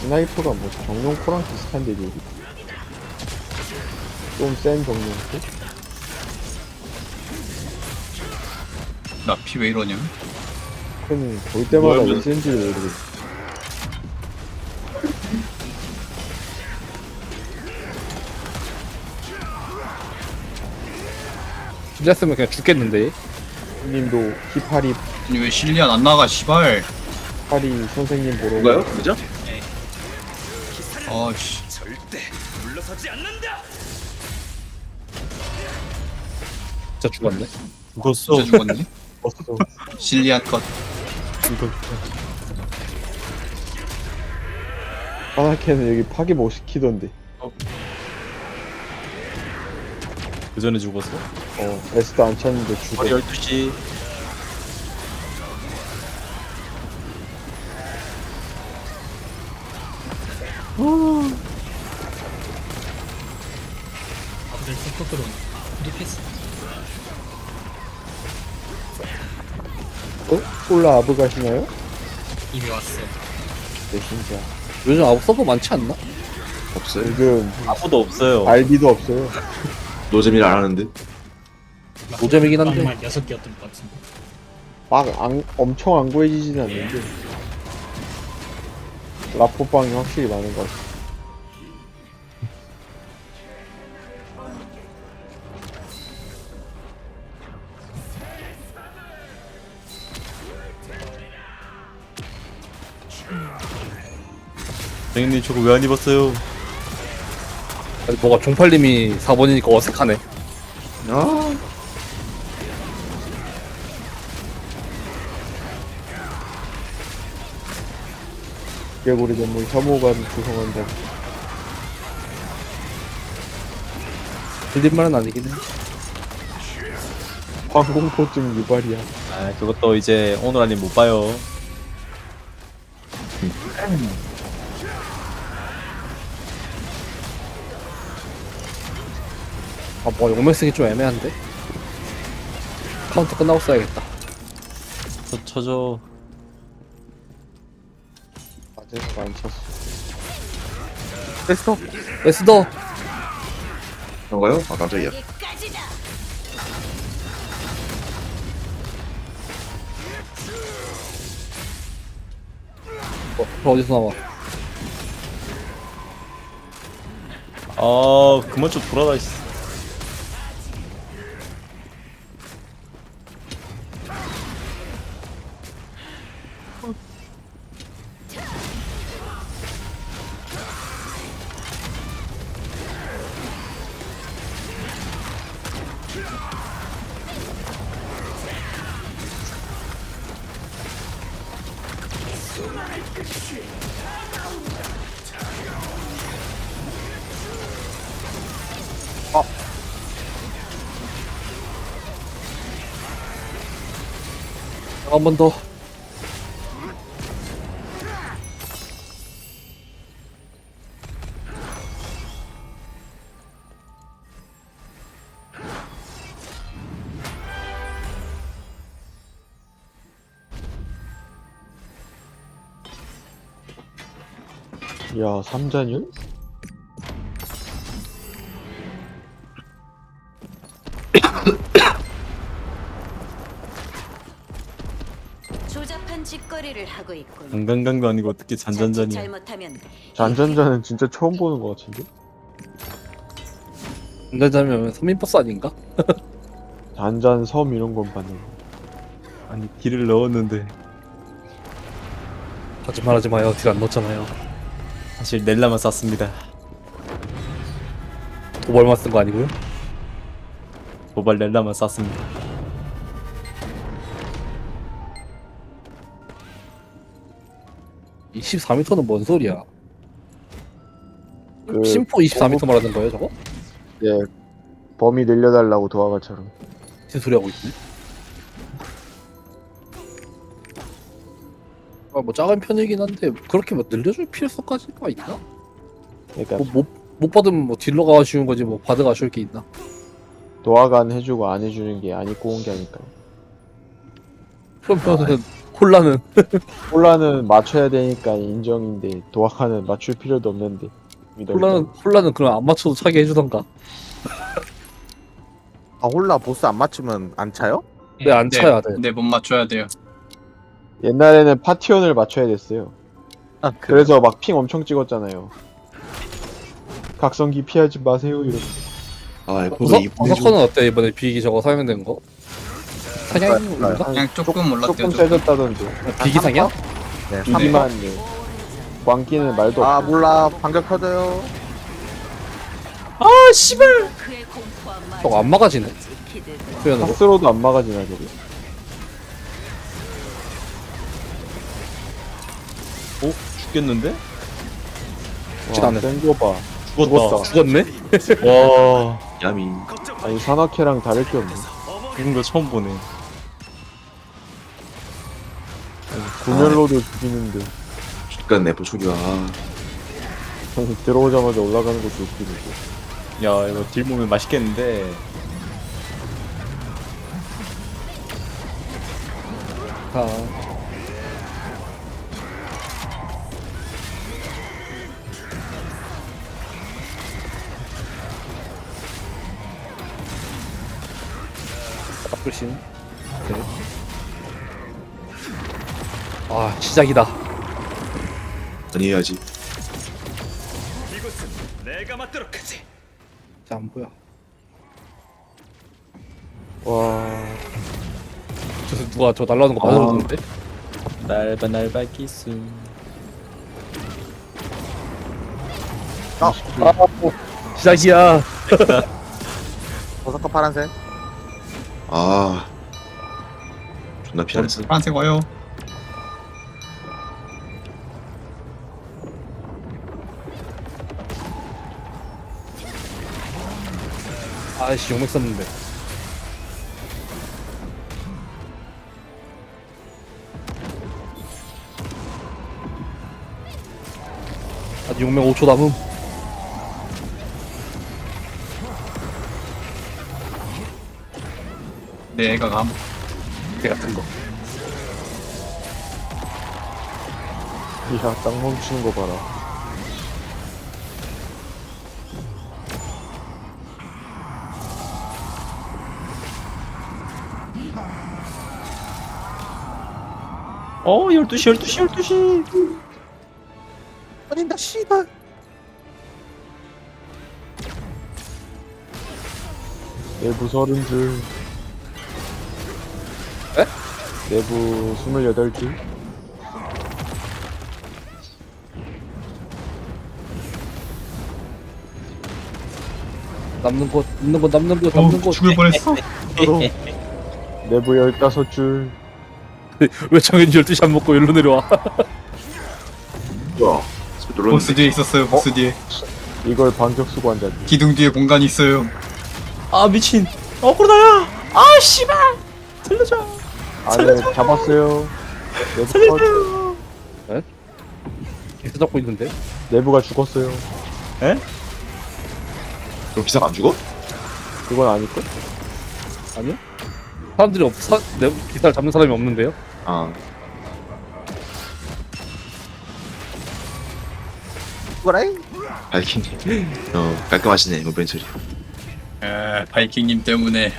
스나이퍼가 뭐 정령포랑 비슷한데 여기 좀 센 정령포? 나 피 왜 이러냐? 그는 볼 때마다 뭐야, 왜 센지 모르겠어. 빌렸으면 그냥 죽겠는데. 님도 히파리 아니 왜 실리안 안 나가 씨발. 파리 선생님 보러 누가요? 그죠? 아씨. 진짜 죽었네. 죽었어. 진짜 죽었네. 왔어. 실리안 컷. 하나캐는 여기 파괴 못 시키던데. 그 전에 죽었어? 에스도 안 찼는데 죽어. 12시. 아들 속도로 리패스. 폴라 아브 가시나요? 이미 왔어. 네 진짜. 요즘 아웃 서버 많지 않나? 없어요. 요즘 아무도 없어요. 알비도 없어요. 노잼일 안 하는데. 노잼이긴 한데. 정말 6개였던 것 같은데. 엄청 안 구해지진 않는데 라포빵이 확실히 많은 것 같아. 선생님 저거 왜 안 입었어요? 아니, 뭐가 종팔님이 4번이니까 어색하네. 아, 개구리 전문 혐오감 구성한다. 들린말은 아니긴 해. 항공포증 유발이야. 아 그것도 이제 오늘 아니면 못 봐요. 아, 뭐 용맹 쓰기 좀 애매한데? 카운터 끝나고 써야겠다. 저 쳐줘. 아재가 안 찼어. 에스더! 에스더! 그런가요? 아, 깜짝이야. 어디서 나와? 아 그만 좀 돌아다 있어. 한 번 더. 야, 삼잔율? 조잡한 짓거리를 하고 있군. 강강강도 아니고 어떻게 자칫 잔잔잔이야. 잘못하면 잔잔잔은 진짜 처음 보는 것 같은데? 운전자면 서민버스 아닌가? 잔잔 섬 이런 건 봤는데. 아니 딜을 넣었는데 하지말 하지 마요. 딜 안 넣었잖아요. 사실 넬라만 쐈습니다. 도발만 쓴 거 아니고요? 도발 넬라만 쐈습니다. 이 14m는 뭔 소리야? 그 심포 24m 말하는 거예요, 저거? 예, 범위 늘려달라고 도화가처럼. 무슨 소리 하고 있지? 아, 뭐 작은 편이긴 한데 그렇게 뭐 늘려줄 필요성까지가 있나? 그러니까 못 받으면 뭐 딜러가 아쉬운 거지 뭐 바드가 아쉬울 게 있나? 도화가 안 해주고 안 해주는 게 안 입고 온 게 아닐까요? 그러면은 폴라는 폴라는 맞춰야 되니까 인정인데 도화카는 맞출 필요도 없는데. 폴라는 그럼 안 맞춰도 차게 해주던가. 아 홀라 보스 안 맞추면 안 차요? 네, 안 차야 돼. 네, 못 맞춰야 돼요. 옛날에는 파티원을 맞춰야 됐어요. 아 그래서 막 핑 엄청 찍었잖아요. 각성기 피하지 마세요 이러고. 아 에코도 버서커는 어때 이번에 비기 저거 사용된 거? 사냥인가? 그냥 조금 올랐대요. 조금 조금. 세졌다던데. 비기 사냥? 네, 네. 3만 광기는 말도 아 없고. 몰라 반격 터져요. 아 씨발. 저거 안 막아지네. 표현으로. 파스로도 안 막아지나 저게. 어 죽겠는데? 죽진 않네. 센거 봐. 죽었다. 죽었네? 와 야미. 아니 산악회랑 다를 게 없네. 죽은 거 처음 보네. 구멸로도 죽이는데 죽간 네포 초기화. 들어오자마자 올라가는 것도 웃기고. 야 이거 딜 보면 맛있겠는데. 아, 나쁘신. 네. 아 시작이다. 아니해야지. 자, 안 보여. 와 저 누가 저 날라오는 거 맞아줬는데? 날바 기술. 시작이야. 버섯커 파란색. 아 존나 피하랬어. 파란색 와요. 아이씨 용맥 썼는데. 아직 용맥 5초 남음. 내가 감. 개 같은 거. 이야 땅 멈추는 거 봐라. 어 12시. 아닌다 씨발. 내부 30줄. 에? 내부 28줄. 남는 거. 죽을 뻔했어. 내부 15줄. 왜 정현이 12시 안 먹고 일로 내려와? 뭐야? 스피 눌렀는데. 보스 뒤에 있었어요. 보스 뒤에. 이걸 반격수고 한다니. 기둥 뒤에 공간이 있어요. 아 미친. 코로나야. 아 씨발. 살려줘. 안에 잡았어요. 내부 컷. 계속 잡고 있는데? 내부가 죽었어요. 그럼 기사가 안 죽어? 그건 아닐걸? 아니요? 사람들이 내 기사를 잡는 사람이 없는데요? 아 뭐라이? 발킹님. 깔끔하시네 이번 처리. 바이킹님 때문에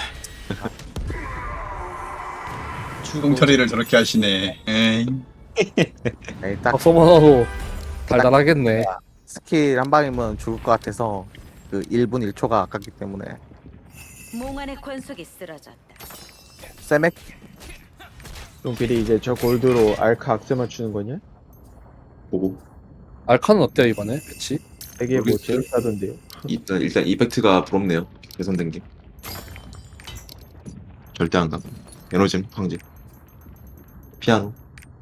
추궁 처리를 저렇게 하시네. 에이. 네, 딱 박서만 하도 달달하겠네. 스킬 한 방이면 죽을 것 같아서 그 1분 1초가 아깝기 때문에 몽환의 권속이 쓰러졌다. 세맥 똥필이 이제 저 골드로 알카 악세 맞추는 거냐? 보고. 알카는 어때요 이번에? 그치? 되게 뭐 모르겠어요. 재밌다던데요. 일단 이펙트가 부럽네요. 개선된 게. 절대 안 가. 에너짐 황제. 피아노.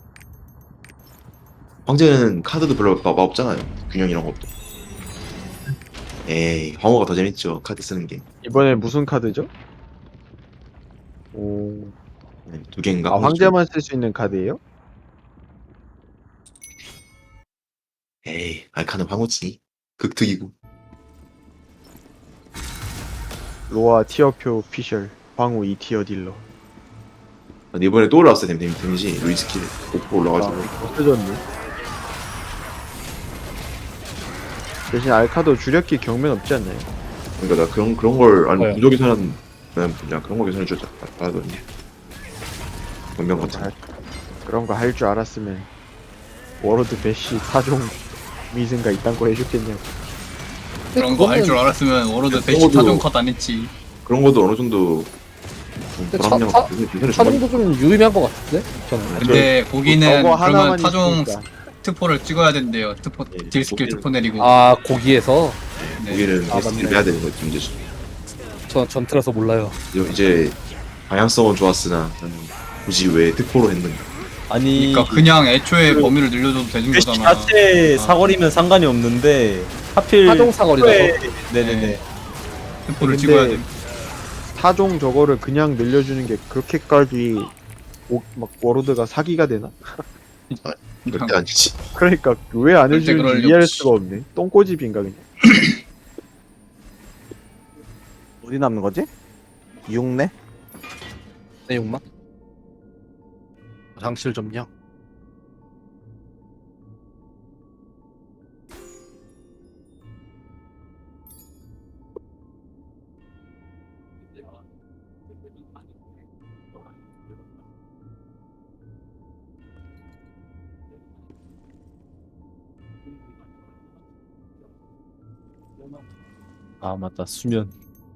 황제는 카드도 별로 없잖아요. 균형 이런 것도. 에이 황호가 더 재밌죠. 카드 쓰는 게. 이번에 무슨 카드죠? 오. 네, 두 개인가? 아 황제만 쓸 수 있는 카드예요? 에이 알카는 황호지. 극특이고. 로아 티어표 피셜 방우 2티어 딜러. 근데 이번에 또 올라왔어요 데미지 루이스 킬 5% 올라가지고 없어졌네. 대신 알카도 주력기 경면 없지 않나요? 그러니까 나 그런 걸 아니 뭐요? 무적이사는 그냥 그런 거 계산해 주자 하더니 분명 같은 거. 그런 거 할 줄 알았으면 워로드 배시 타종 미승가 이딴 거 해줬겠냐고. 그런 거 할 줄 알았으면 워로드 배시 그거도- 타종 컷 안 했지. 그런 것도 어느 정도 좀 근데 불합리한 차- 거 계산해 주면 타종도 좀 유의미한 것 같은데? 저는. 근데 거기는 저거 그러면 하나만 타종 있으니까. 특포를 찍어야 된대요. 특포 예, 딜 스킬 거기는- 특포 내리고. 아 고기에서 네. 거기는 아, 테스트를 맞네. 해야 되는 거지 문제죠. 전 전투라서 몰라요. 이제 방향성은 좋았으나 나는 굳이 왜 특포로 했는가. 아니 그러니까 그냥 애초에 범위를 늘려줘도 되는 배시 거잖아. 자체 사거리면 상관이 없는데 하필 타종 사거리라서. 네네네. 네. 특포를 근데 찍어야 돼. 타종 저거를 그냥 늘려주는 게 그렇게까지 막 워로드가 사기가 되나? 절대 아니지. 그러니까 왜 안 절대 그럴 해주는지 리 이해할 없지. 수가 없네. 똥꼬집인가 그냥. 어디 남는 거지? 6네? 내용만. 장실 점령. 아 맞다 수면.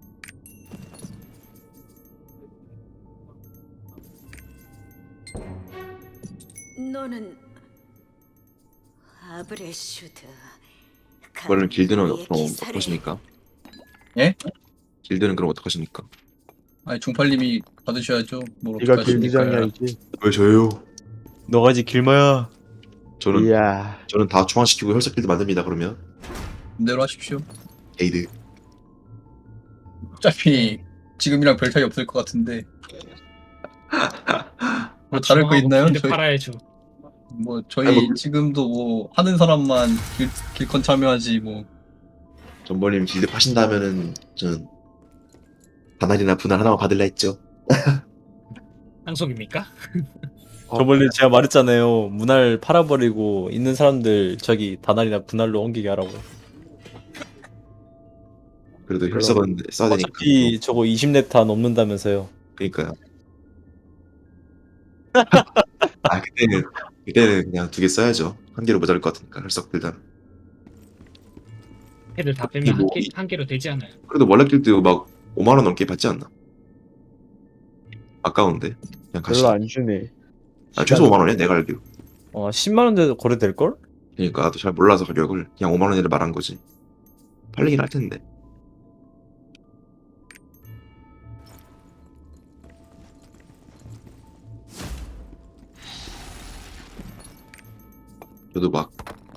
너는 아브레슈드. 그거는 길드는 우리의 그럼 기사를 어떡하십니까? 예? 길드는 그럼 어떡하십니까? 아니 중팔님이 받으셔야죠. 뭘 네가 어떡하십니까? 길드장이야지. 왜 저요? 너가지 길마야. 저는 이야. 저는 다 중화시키고 혈색 길드 만듭니다. 그러면 대로 하십시오. 에이드. 어차피 지금이랑 별 차이 없을 것 같은데. 뭐 다를 거 중앙하고 있나요? 빌드 저희 팔아야죠. 뭐 저희 아니, 뭐- 지금도 뭐 하는 사람만 길컨 참여하지 뭐. 전번님 길드 파신다면은 저는 다날이나 분할 하나만 받을라 했죠. 상속입니까? 저번에 제가 말했잖아요. 문화를 팔아버리고 있는 사람들 저기 다날이나 분할로 옮기게 하라고. 그래도 혈색은 써야 되니까. 어차피 저거 20렙타 넘는다면서요. 그러니까요. 아 그때는 그냥 2개 써야죠. 한 개로 모자랄 것 같으니까 혈색 길드. 해를 다 빼면 뭐 한 개로 되지 않아요. 그래도 원래 길드 막 5만 원 넘게 받지 않나? 아까운데 그냥 가시. 별로 안 주네. 아 최소 5만 원이야 내가 알기로. 10만 원대 거래될 걸? 그러니까 나도 잘 몰라서 가격을 그냥 5만 원이라 말한 거지. 팔리긴 할 텐데. 저도 막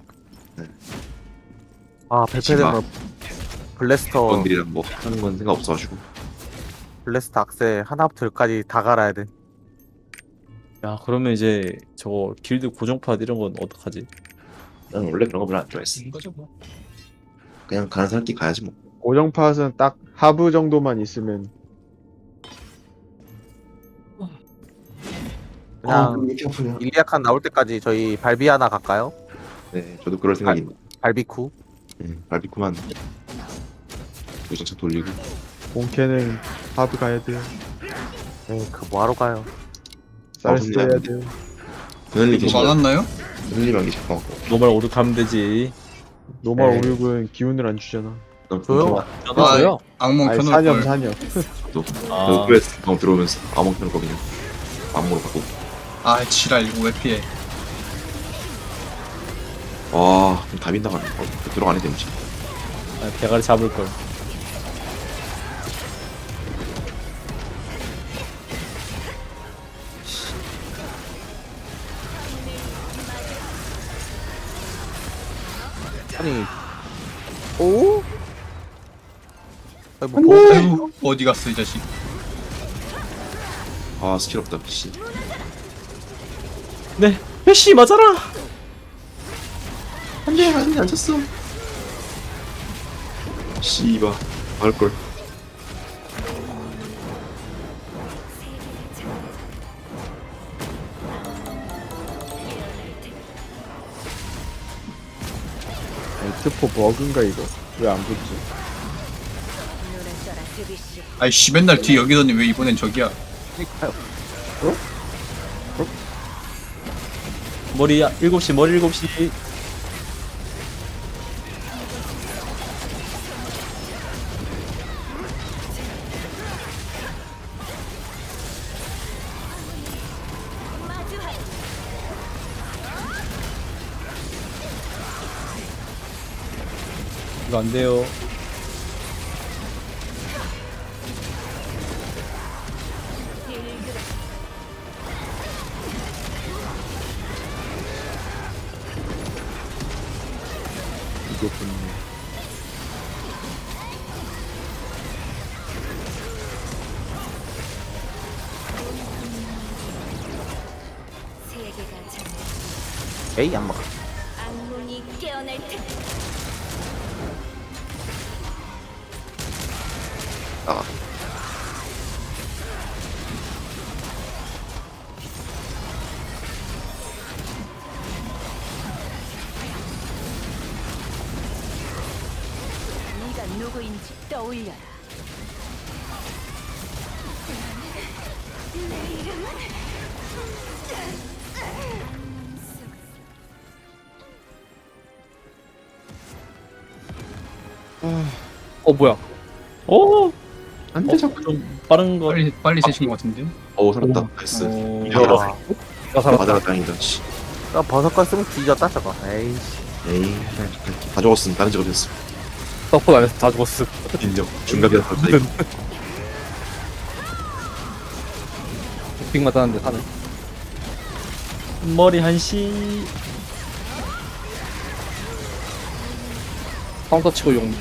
아 발표된 거 블래스터 건들이랑 뭐 하는 건 생각 없어가지고. 블래스터 악세 하나부터 열까지 다 갈아야 돼. 야 그러면 이제 저거 길드 고정팟 이런 건 어떡하지? 난 원래 그런 거 별로 안 좋아했어. 인 거죠 뭐. 그냥 가는 사람끼리 가야지 뭐. 고정팟은 딱 하부 정도만 있으면 그냥 왜 이렇게 아프냐. 일리아칸 나올 때까지 저희 발비 하나 갈까요? 네, 저도 그럴 생각입니다. 발비쿠. 바비큐만 요정차 돌리고. 본캐는 하부 가야 돼요. 네, 그 뭐하러 가요? 쌀스 근데 해야 안 돼요. 그늘리 뭐 계시면 많았나요? 그늘리만 계시고. 노말 오륙 하면 되지. 노멀 네. 566은 기운을 안 주잖아. 조용. 아, 저요? 악몽 아니 켜놓을 사념 걸. 사념. 아, 그래 방금 들어오면서 아몬 켜놓을 거거든요. 아몬으로 바꾸고. 아 지랄 이거 왜 피해? 와, 그럼 다 빈다가네. 들어가네 데미지. 대가리 잡을 걸. 아니 오? 아니, 뭐 아유 어디 갔어 이 자식? 아, 스킬 없다. 씨. 네, 배시 맞아라. 안돼, 안 쳤어. 씨바, 할걸. 트포 버그인가 이거? 왜 안 붙지? 눈을 떠라 드비시. 아이씨 맨날 뒤 여기더니 왜 이번엔 저기야. 그니까요. 머리 7시 머리 7시. 이거 안 돼요. 이게 붙네. 세계가 전 에이 안 먹어. 악몽이 깨어날 테. 아, 네가 누구인지 떠올려라. 내 이름은 뭐야? 오. 안 돼, 자꾸. 좀 빠른 거. 빨리 세신 것 같은데. 살았다. 나이스. 야. 야, 나 살았다. 맞아라, 다행이다. 씨. 나 버섯걸 쓰면 뒤졌다 저거. 에이씨. 에이, 다 죽었음. 다른 직업이었어. 서포트 안에서 다 죽었어. 인정. 중갑이라 갑자기. 빅 맞았는데 사네. 머리 1시. 카운터 치고 용.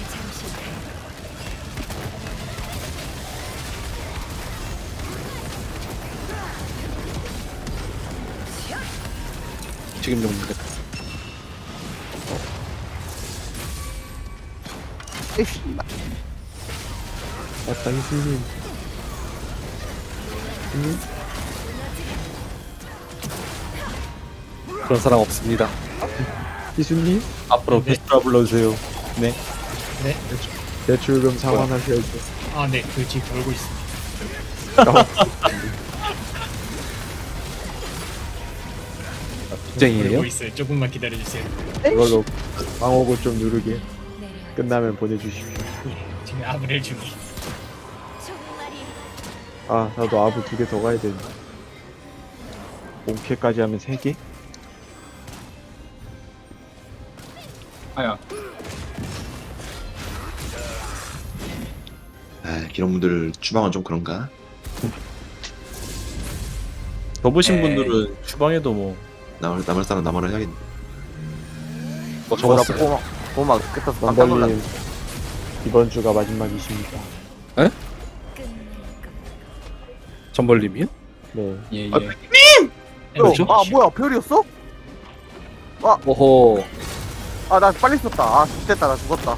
지금 용인데. 에이씨. 맞다, 희수님. 그런 사람 없습니다. 희수님? 앞으로 네. 베스트라 불러주세요. 네. 대출금 상환하셔야죠. 아, 네, 그 지금 돌고 있습니다. 쟁이에요? 돌고 있어요. 조금만 기다려주세요. 그걸로 방어구 좀 누르게. 내려. 끝나면 보내주십시오. 지금 아브렐 중에. 종말이 아, 나도 아부 2개 더 가야 되는데. 본캐까지 하면 3개? 아야. 아, 이런 분들 주방은 좀 그런가? 접으신 분들은 주방에도 뭐 남을 사람 남을 해야겠네. 뭐 저거라 적었어요. 꼬마 끝에서 깜짝 놀랐네. 원달님, 이번 주가 마지막이십니다. 끝낼 것. 전벌님이요? 네. 예 예. 그렇죠? 아 뭐야 별이었어? 오호. 아 나 빨리 썼다. 아 됐다 나 죽었다.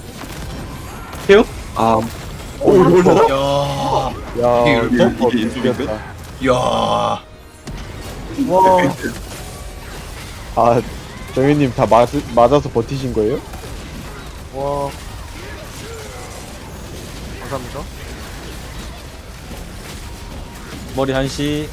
아, 이걸 먹어? 야. 야, 이게 이거 이게 인수인데? 죽였다. 야. 와. 아, 정현님 다 맞아서 버티신 거예요? 와. 감사합니다. 머리 1시.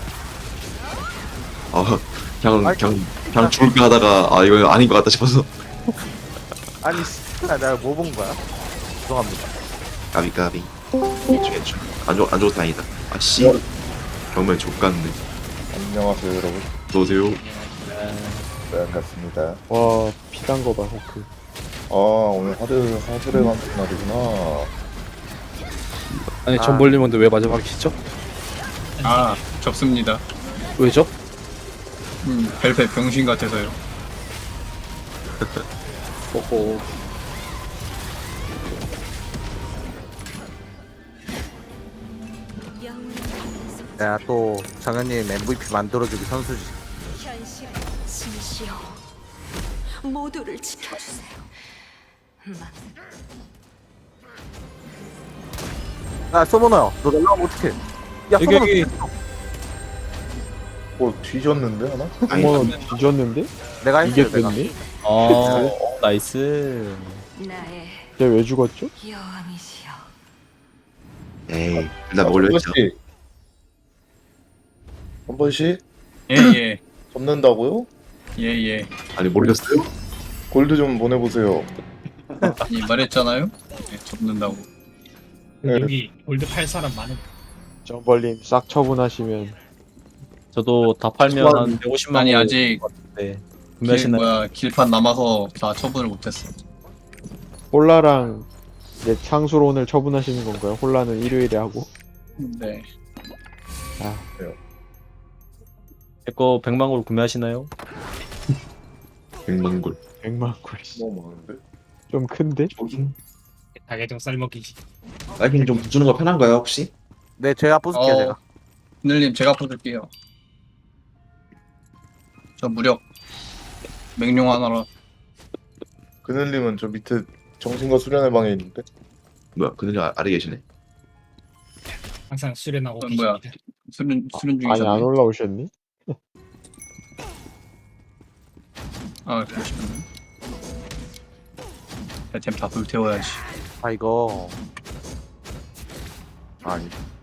그냥 죽을까 하다가, 아, 이거 아닌 것 같다 싶어서. 아니 내가 뭐 본 거야? 죄송합니다. 까비. 괜찮. 안 죽어도 다행이다. 아, 씨. 정말 족같네. 안녕하세요 여러분. 어서오세요. 네, 반갑습니다. 와, 피단 거 봐, 호크. 아 오늘 하드를 만든 날이구나. 아니 아. 전벌님인데 왜 마지막이시죠? 아 접습니다. 왜죠? 벨벳 병신 같아서요. 오호. 내가 또 정현님 MVP 만들어주기 선수지. 현실 진시오. 모두를 지켜주세요. 야 소모너야 너 날라가면 어떡해? 야 여기, 소모너 여기. 뭐 뒤졌는데 하나? 어머, 뒤졌는데? 내가 했어요 내가. 이겼겠네? 나이스. 나의 걔 왜 죽었죠? 여왕이시여. 에이, 둘 다 먹으려 했죠. 한 번씩 예예 접는다고요? 예예. 아니, 모르겠어요? 골드 좀 보내보세요. 아니 말했잖아요. 예, 접는다고. 네. 여기 골드 팔 사람 많은. 정벌님 싹 처분하시면 저도 다 팔면 한 150만 아니 원 아직 네. 길, 구매하시나요? 뭐야 길판 남아서 다 처분을 못했어. 홀라랑 이제 창수로 오늘 처분하시는 건가요? 홀라는 일요일에 하고. 네. 제거 100만 골 구매하시나요? 100만 골. 100만 골. 너무 많은데? 좀 큰데? 닭에좀 쌀먹기. 딸기님 좀 주는 거 편한가요, 혹시? 네, 제가 부술게요, 제가. 하늘님 제가 부를게요. 저 무력 맹룡 하나라. 그늘님은 저 밑에 정신과 수련의 방에 있는데? 뭐야, 그늘이 아래 계시네. 항상 수련하고 뭐야. 계십니다. 수련 아니 안 중이잖아요. 올라오셨니? 아 그러시면. 템다 불태워야지. 아, 이거. 아니.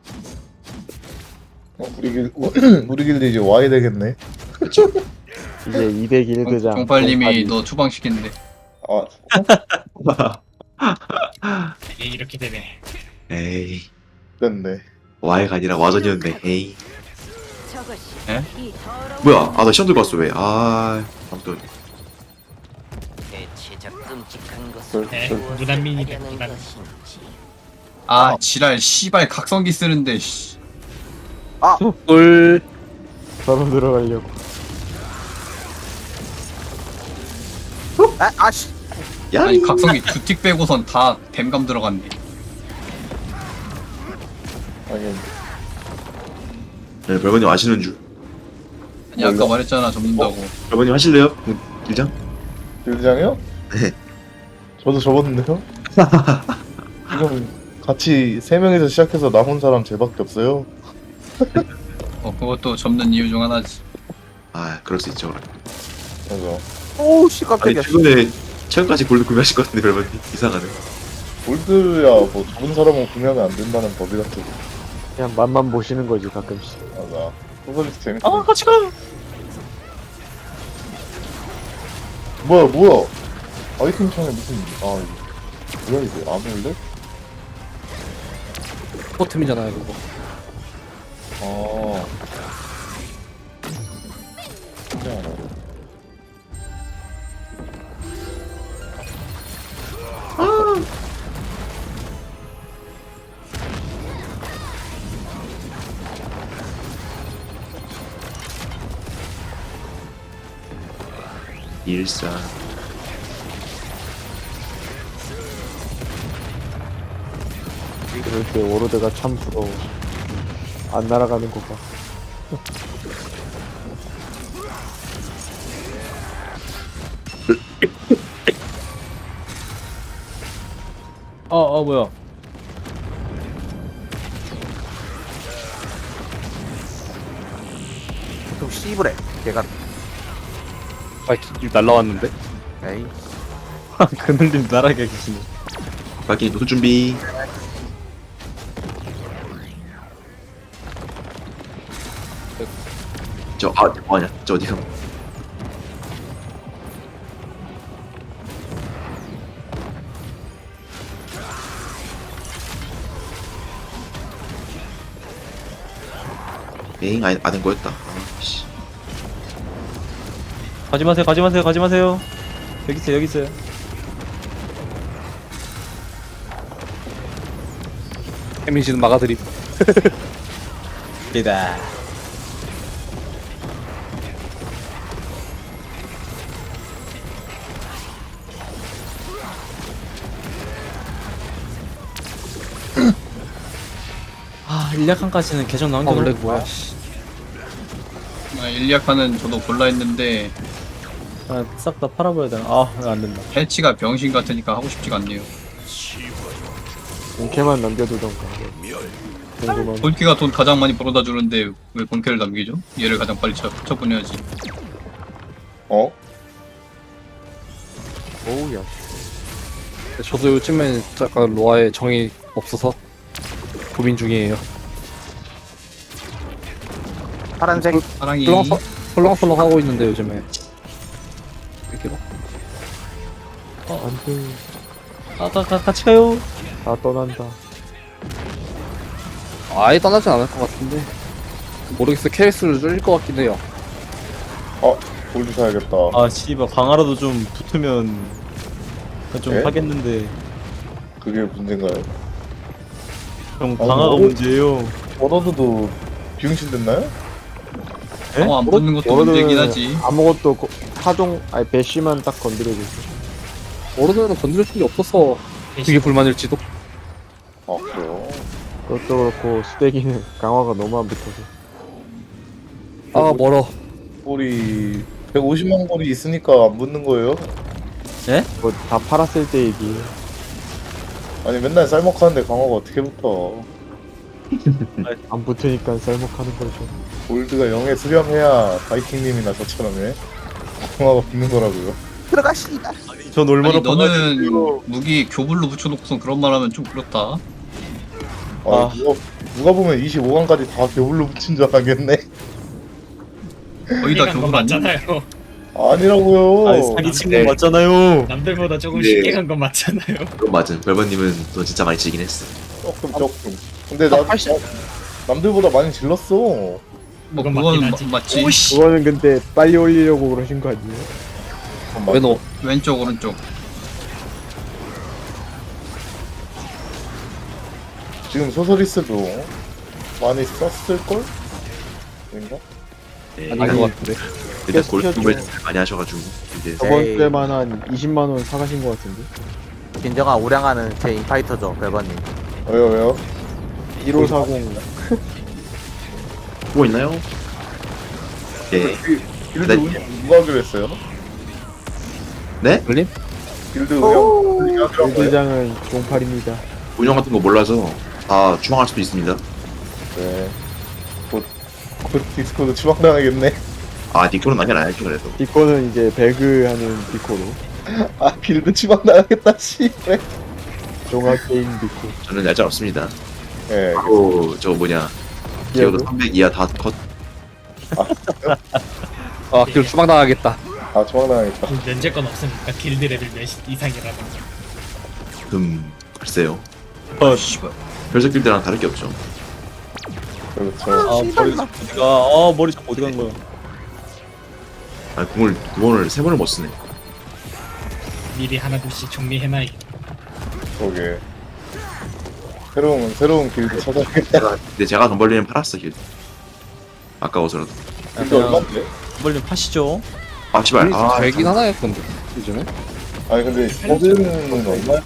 우리 길드 이제 와야 되겠네. 이제 200 길드장. 종팔님이 너 추방시킨대. 아, 이게 이렇게 되네. 에이, 됐네. 와이가 아니라 와전이었네. 에이. 저것이 에? 이 더러운 뭐야, 아, 나 시험 들고 왔어, 왜. 아, 아무튼. 대체적 끔찍한 것을 네, 저- 무난민이다. 하려는 무난. 것인지. 아 지랄 씨발 각성기 쓰는데 씨. 꿀. 바로 들어가려고. 아씨! 야, 아니 각성기 두 틱 빼고선 다 댐감 들어갔네. 아니, 네, 별번님 아시는 줄. 아니 아까 말했잖아 접는다고. 별번님 하실래요? 길장? 길드장이요? 네. 저도 접었는데요? 지금 같이 3명이서 시작해서 남은 사람 쟤밖에 없어요. 그것도 접는 이유 중 하나지. 아, 그럴 수 있죠, 그럼. 맞아. 오우, 씨, 아니, 깜짝이야. 최근까지 골드 구매하실 것 같은데, 별번님. 이상하네. 골드야 뭐 접은 사람은 구매하면 안 된다는 법이 같은. 그냥 맛만 보시는 거지 가끔씩. 맞아. 소설리스 재밌어. 아 같이 가. 뭐야? 아이템 창에 무슨 이거 뭐야 이게 안 올래? 포템이잖아요, 그거. 아. 신기하네. 일산. 그럴 때 워로드가 참 부러워. 안 날아가는 거 봐. 뭐야. 좀 씨부래. 걔가. 길 날라왔는데? 에이. 그늘님 나락에 계시네. 밖에 노출 준비. 뭐하냐? 저 어디가? 에잉, 아는 거였다. 아, 씨. 가지 마세요. 여기 있어요. 해민씨는 막아드림. 이다. 아, 1략한까지는 계정 나온 게 원래 너무 뭐야? 일리아카는 저도 골라 했는데 싹 다 팔아버려야 되나? 아, 안 된다. 패치가 병신 같으니까 하고 싶지가 않네요. 본캐만 남겨두던가. 궁금한. 본캐가 돈 가장 많이 벌어다 주는데 왜 본캐를 남기죠? 얘를 가장 빨리 처분해야지. 어? 오우야. 저도 요즘에 약간 로아에 정이 없어서 고민 중이에요. 파란색. 사랑이 헐렁헐렁 하고 있는데 요즘에. 이렇게 안돼. 같이 가요. 다 떠난다. 아예 떠나진 않을 것 같은데. 모르겠어. 케이스를 줄일 것 같긴 해요. 골드 사야겠다. 아 씨발 강화라도 좀 붙으면 좀 예? 하겠는데 그게 문제인가요? 형 강화가 문제예요. 워너드도 비용신 됐나요? 안 붙는 것도 문제긴 하지. 아무것도 타종 아니 배쉬만 딱 건드려도 돼. 모르는 건드릴 게 없어서 되게 불만일지도. 아 그래요? 그것도 그렇고 수대기는 강화가 너무 안 붙어서. 아 멀어. 골이 150만 골이 있으니까 안 붙는 거예요? 그거 다 팔았을 때 얘기. 아니 맨날 쌀먹하는데 강화가 어떻게 붙어? 안 붙으니까 쌀먹하는 거죠. 골드가 0에 수렴해야 바이킹님이나 저처럼 해. 강화가 붙는 거라고요. 들어가 씨발. 전 얼마나 아니 너는 무기 교불로 붙여놓고선 그런 말하면 좀 그렇다. 아, 누가 보면 25강까지 다 겨울로 붙인 줄 알겠네. 거의 다 거 교불 아니야? 맞잖아요. 아니라고요. 아니 사기친 거 맞잖아요. 남들보다 조금 네. 쉽게 간 건 맞잖아요. 그건 맞음. 별번님은 돈 진짜 많이 치긴 했어. 조금. 근데 나 남들보다 많이 질렀어. 뭐 그건 그건 맞긴 하지. 맞지. 그거는 근데 빨리 올리려고 그러신 거 아니에요? 왜 너? 왼쪽 오른쪽. 지금 소서리스도 많이 썼을 걸? 아닌가? 아닌 것 같은데. 일단 계속 골프를 키웠죠. 많이 하셔가지고 이제 저번 에이. 주에만 한 20만 원 사가신 거 같은데. 진정한 우량하는 제 인파이터죠, 별번님. 왜요? 1540 보고 있나요? 예. 길드 네. 운영 누가 하기로 했어요? 네? 걸림? 길드 운영 하기로 한 거예요? 대장은 종팔입니다. 운영 같은 거 몰라서 다 추방할 수도 있습니다. 네. 곧 디스코드 추방당하겠네. 아 니코는 남겨 놔야죠 그래도. 디코는 이제 배그하는 디코로. 아 길드 추방당하겠다 씨. 그래. 종합게임 디코. 저는 얄짤 없습니다. 예. 바로 저 뭐냐 기어도 300 이하 다 컷. 아, 길 추방당하겠다. 아 추방당하겠다. 면제권 없으니까 길드 레벨 몇 이상이라든지. 글쎄요. 씨발. 별석 길드랑 다를 게 없죠. 그렇죠. 아 머리 자꾸 어디가? 아 머리 자꾸 어디 간 거야? 아 궁을 두 번을 세 번을 못 쓰네. 미리 하나둘씩 정리해놔야. 저게 새로운 길드 찾아야겠다. 근데 제가 돈 벌리면 팔았어 길드. 아까워서라도. 길드 얼마인데? 빨리 파시죠. 아 씨발. 아 되긴 하나요, 근데 요즘에? 아니 근데 저는 얼마야?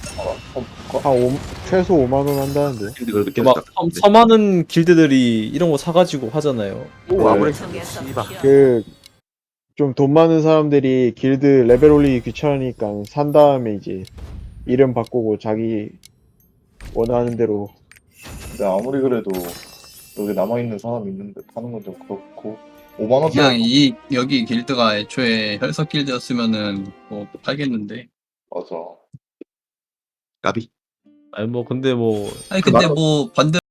최소 5만 원 한다는데. 길드 그래도 늦게 막 됐다. 서많은 길드들이 이런 거 사가지고 하잖아요. 오, 아무리 속에서 씨발. 그 좀 돈 많은 사람들이 길드 레벨 올리기 귀찮으니까 산 다음에 이제 이름 바꾸고 자기 원하는 대로. 근데 아무리 그래도 여기 남아있는 사람이 있는데 파는 건 좀 그렇고 5만원 그냥 이 여기 길드가 애초에 혈석 길드였으면은 뭐 팔겠는데. 맞아. 까비. 아니 뭐 근데 뭐 아니 근데 뭐 반대